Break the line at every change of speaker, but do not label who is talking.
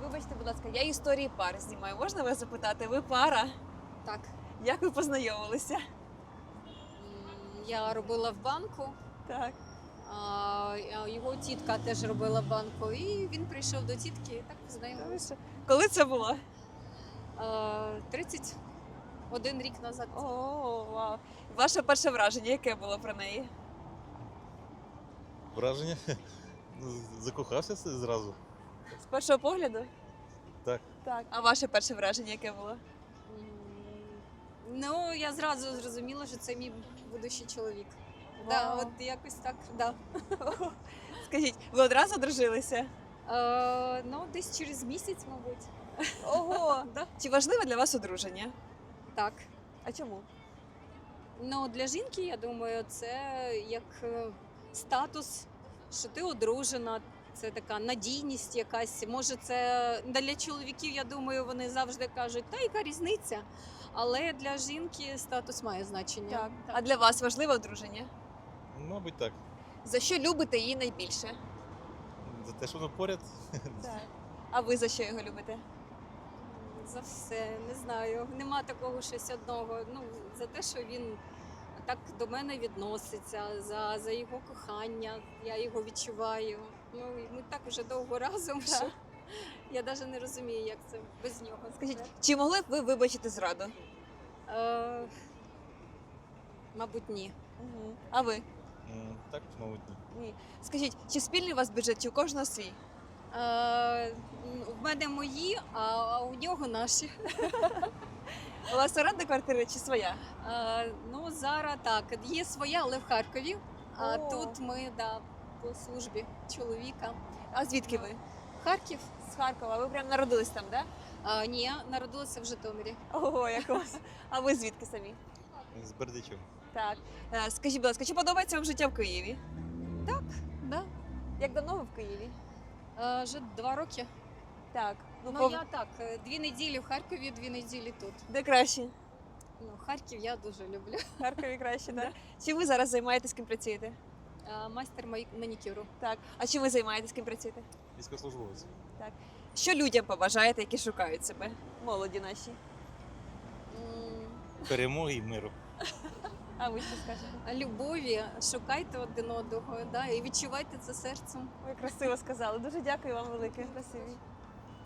Вибачте, будь ласка, я історії пар знімаю. Можна вас запитати? Ви пара?
Так.
Як ви познайомилися?
Я робила в банку,
Так.
а його тітка теж робила в банку, і він прийшов до тітки і так познайомилися.
Коли це було?
31 рік назад.
О, вау. Ваше перше враження, яке було про неї?
Враження? Закохався зразу.
З першого погляду?
Так.
Так. А ваше перше враження, яке було?
Ну, я зразу зрозуміла, що це мій будущий чоловік. Да,
Вау.
от якось так, да.
Скажіть, ви одразу одружилися?
Ну, десь через місяць, мабуть.
Ого!
Да.
Чи важливе для вас одруження?
Так.
А чому?
Ну, для жінки, я думаю, це як статус, що ти одружена, це така надійність якась. Може, це для чоловіків, я думаю, вони завжди кажуть, та яка різниця. Але для жінки статус має значення.
А для вас важливе одруження?
Мабуть, так.
За що любите її найбільше?
За те, що воно поряд.
Так. А ви за що його любите?
За все, не знаю. Нема такого щось одного. Ну, за те, що він так до мене відноситься, за його кохання, я його відчуваю. Ну, і ми так вже довго разом, що я навіть не розумію, як це без нього.
Скажіть, чи могли б ви вибачити зраду?
Е, мабуть, ні.
А ви?
Так, мабуть, ні.
Ні. Скажіть, чи спільний у вас бюджет, чи у кожного свій?
В мене мої, а у нього наші.
У вас оренда квартира чи своя?
Ну, зараз так, є своя, але в Харкові. А
О.
тут ми по службі чоловіка.
А звідки ви?
Харків?
З Харкова. Ви прям народились там, так?
Ні, народилася в Житомирі.
Ого, як у вас. А ви звідки самі?
З Бердичем.
Так. Скажіть, будь ласка, чи подобається вам життя в Києві?
Да.
Як давно ви в Києві?
Вже 2 роки.
Так.
Ну, я так, 2 неділі в Харкові, 2 неділі тут.
Де краще?
Ну, Харків я дуже люблю.
В Харкові краще, так? Чи ви зараз займаєтесь, ким працюєте?
Майстер манікюру.
Так. А чим ви займаєтесь, ким працюєте?
Військовослужбовець.
Що людям побажаєте, які шукають себе? Молоді наші.
Перемоги і миру.
А ви що скажете?
Любові, шукайте один одного, да, і відчувайте це серцем.
Ви красиво сказали. Дуже дякую вам велике. Спасибі.